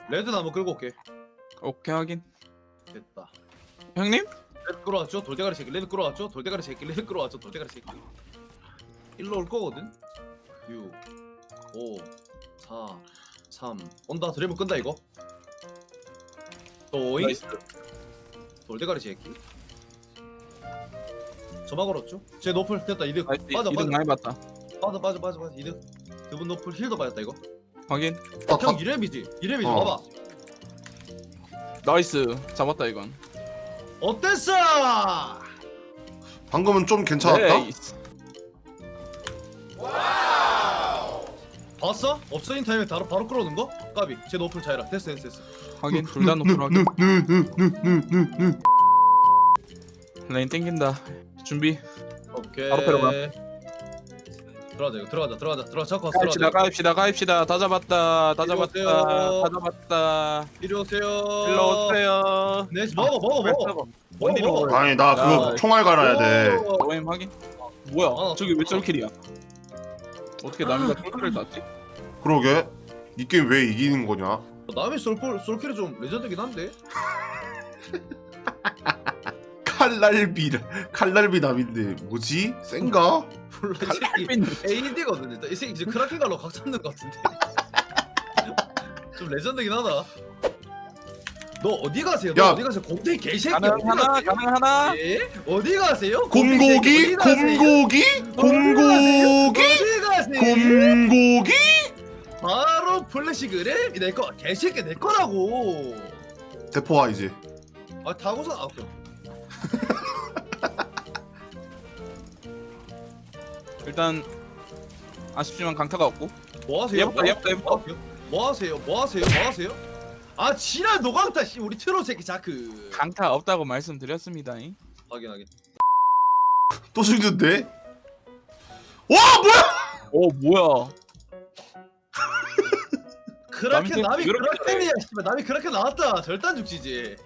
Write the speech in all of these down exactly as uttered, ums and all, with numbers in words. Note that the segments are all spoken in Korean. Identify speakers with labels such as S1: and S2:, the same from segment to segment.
S1: 레드 나무 끌고 올게.
S2: 오케이 확인.
S1: 됐다.
S2: 형님?
S1: 레드 끌어왔죠? 돌대가리 새끼. 레드 끌어왔죠? 돌대가리 새끼. 레드 끌어왔죠? 돌대가리 새끼. 일로 올 거거든. 육, 오, 사, 삼. 온다. 드래곤 끈다 이거. 또잉.
S2: 나이스.
S1: 돌대가리 새끼. 저만 걸었죠? 제 노플 됐다. 이득.
S2: 나이스.
S1: 빠져
S2: 이득
S1: 빠져
S2: 많이 봤다.
S1: 빠져 빠져 빠져 빠져. 이득. 두분 노플 힐도 빠졌다 이거.
S2: 확인.
S3: 아,
S1: 형
S3: 다,
S1: 이렘이지. 이렘이지.
S3: 어.
S1: 봐봐.
S2: 나이스. 잡았다 이건.
S1: 어땠어?
S3: 방금은 좀 괜찮았다.
S2: 네이스.
S1: 봤어? 업서인 타임에 바로 바로 끌어오는 거? 까비. 제 노플 차이라. 됐어 됐어 됐어.
S2: 확인. 둘 다 높은 확인.
S3: 느느느느느느느
S2: 라인 땡긴다. 준비.
S1: 오케이.
S2: 바로 패러 가.
S1: 들어가자 이거 들어가자 들어가자 들어가 잡고 왔어.
S2: 가입시다
S1: 들어가자.
S2: 가입시다 가입시다. 다 잡았다. 다
S1: 이리
S2: 잡았다.
S1: 오세요.
S2: 다 잡았다.
S1: 이리 오세요.
S2: 일로 오세요.
S1: 네 먹어 먹어 먹어.
S2: 원디로
S1: 먹어,
S2: 먹어.
S3: 아니 나 그거
S2: 야,
S3: 총알 갈아야 돼.
S1: 오.
S2: 오엠 확인. 뭐야?
S1: 어.
S2: 저기 왜 쩔킬이야? 어떻게 남이가 쩔킬을 땄지?
S3: 그러게 이 게임 왜 이기는 거냐?
S1: 남의 솔폴 솔킬이 좀 레전드긴 한데.
S3: 칼날비 칼날비 남인데 뭐지? 센가?
S1: 몰라 이 새끼 에이디거든 일단. 이 새끼 이제 크라켄 갈로 각 잡는 것 같은데. 좀 레전드긴 하다. 너 어디 가세요? 너
S3: 야.
S1: 어디 가세요? 곰탱이 개새끼.
S2: 가능
S1: 어디
S2: 하나
S1: 가세요?
S2: 가능 하나.
S1: 예? 어디 가세요?
S3: 곰고기 곰고기 곰고기
S1: 어디 가세요?
S3: 곰고기
S1: 바로 플래시 그래? 내 거 개새끼 내 거라고.
S3: 대포와 이제.
S1: 아 타고서 아 오케이.
S2: 일단 아쉽지만 강타가 없고.
S1: 뭐 하세요?
S2: 얘부터,
S1: 뭐,
S2: 얘부터, 얘부터.
S1: 뭐 하세요? 뭐 하세요? 뭐 하세요? 뭐 하세요? 아 지랄 노강타 씨 우리 트롤 새끼 자크.
S2: 강타 없다고 말씀드렸습니다.
S1: 확인 확인.
S3: 또 죽는데? 와 뭐야?
S2: 오 뭐야?
S1: 크라켄
S2: 남이
S1: 남이
S2: 그렇게
S1: 크라켄이야 씨발. 남이 크라켄 나왔다. 절단 죽지지.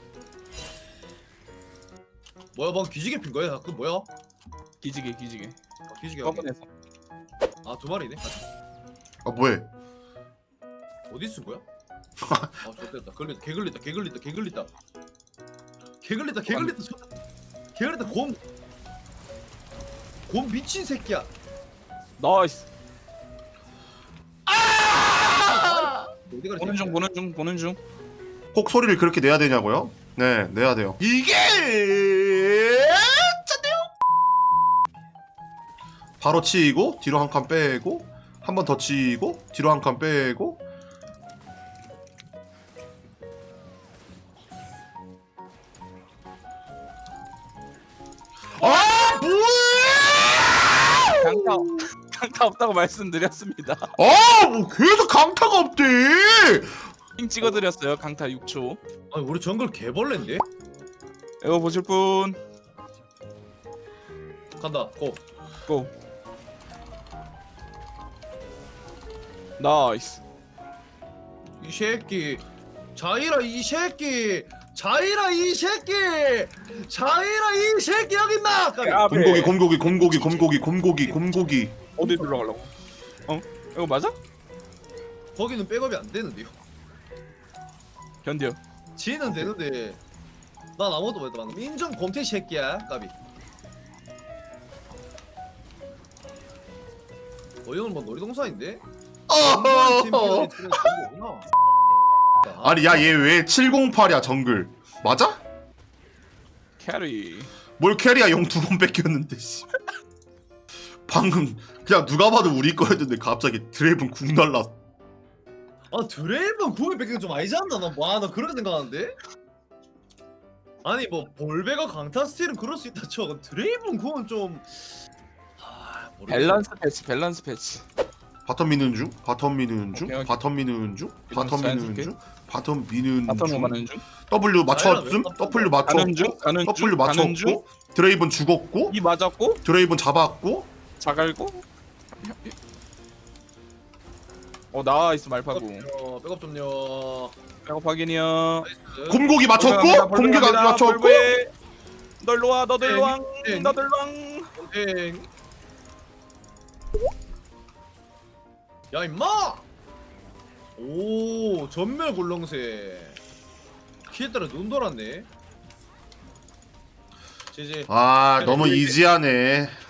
S1: 뭐야 방 뒤지게 핀 거야? 그 뭐야?
S2: 기지개 기지개.
S1: 아, 뒤지게 하게.
S2: 뻔뻔해서.
S1: 아두 마리네.
S3: 아 뭐해?
S1: 어디 쓴 거야? 아 좋됐다. 걸렸다. 개 걸렸다. 개 걸렸다. 개 걸렸다. 개 걸렸다. 개 걸렸다. 좋다. 개 걸렸다. 곰. 곰 미친 새끼야.
S2: 나이스.
S1: 어디 가리
S2: 보는 중 보는 중 보는 중.
S3: 꼭 소리를 그렇게 내야 되냐고요? 네 내야 돼요. 이게 짠데요? 바로 치이고 뒤로 한 칸 빼고 한 번 더 치이고 뒤로 한 칸 빼고. 아 뭐야?
S2: 강타 강타 없다고 말씀드렸습니다.
S3: 아뭐 계속 강타가 없대.
S2: 핑 찍어드렸어요. 강타 육 초.
S1: 아니 우리 정글 개벌레인데?
S2: 이거 보실 분
S1: 간다. 고.
S2: 고. 나이스.
S1: 이 새끼. 자이라 이 새끼. 자이라 이 새끼. 자이라 이 새끼 여기 있나? 까비.
S2: 아,
S3: 곰고기 곰고기 곰고기 곰고기 곰고기 곰고기.
S2: 어디 들어가려고? 어? 이거 맞아?
S1: 거기는 백업이 안 되는데요.
S2: 견뎌.
S1: 지는 되는데 난 아무것도 못했다 방금. 인정 곰태 새끼야. 까비. 어 이건 뭐 놀이동산인데? 공부한 챔피언이 치는 정보구나.
S3: 아니 야 얘 왜 칠공팔이야 정글 맞아?
S2: 캐리.
S3: 뭘 캐리야 영 두 번 뺏겼는데 씨. 방금 그냥 누가 봐도 우리 거였는데 갑자기 드레이븐 궁 날라.
S1: 아 드레이븐 구이 뺏기는 좀 아니지 않나? 나 와 나 그렇게 생각하는데? 아니 뭐 볼베가 강타 스틸은 그럴 수 있다 쳐. 드레이븐 구는 좀 아, 모르겠네.
S2: 밸런스 패치 밸런스 패치.
S3: 바텀 미는 중 바텀 미는 중
S2: 오케이, 오케이.
S3: 바텀 미는 중 바텀
S2: 사인
S3: 미는
S2: 줄게.
S3: 중 바텀 미는
S2: 바텀
S3: 중
S2: 가는 중.
S3: W 맞췄음
S1: 자이라
S3: W
S2: 가는 중.
S3: 맞췄고
S2: 가는 중.
S3: W
S2: 가는 중.
S3: 맞췄고 드레이븐 죽었고
S2: 이 맞았고
S3: 드레이븐 잡았고.
S2: 자갈고. 어 나이스 말파고.
S1: 어, 백업 좀요.
S2: 백업 확인이요.
S1: 나이스.
S3: 곰고기 맞췄고 곰고기 맞췄고.
S2: 너 일로 와. 너도 일로 왕.
S1: 땡.
S2: 너도 일로 왕.
S1: 땡. 야 임마. 오. 오 전멸 굴렁쇠 피에 따라 눈 돌았네. 제제
S3: 아 너무 이지하네.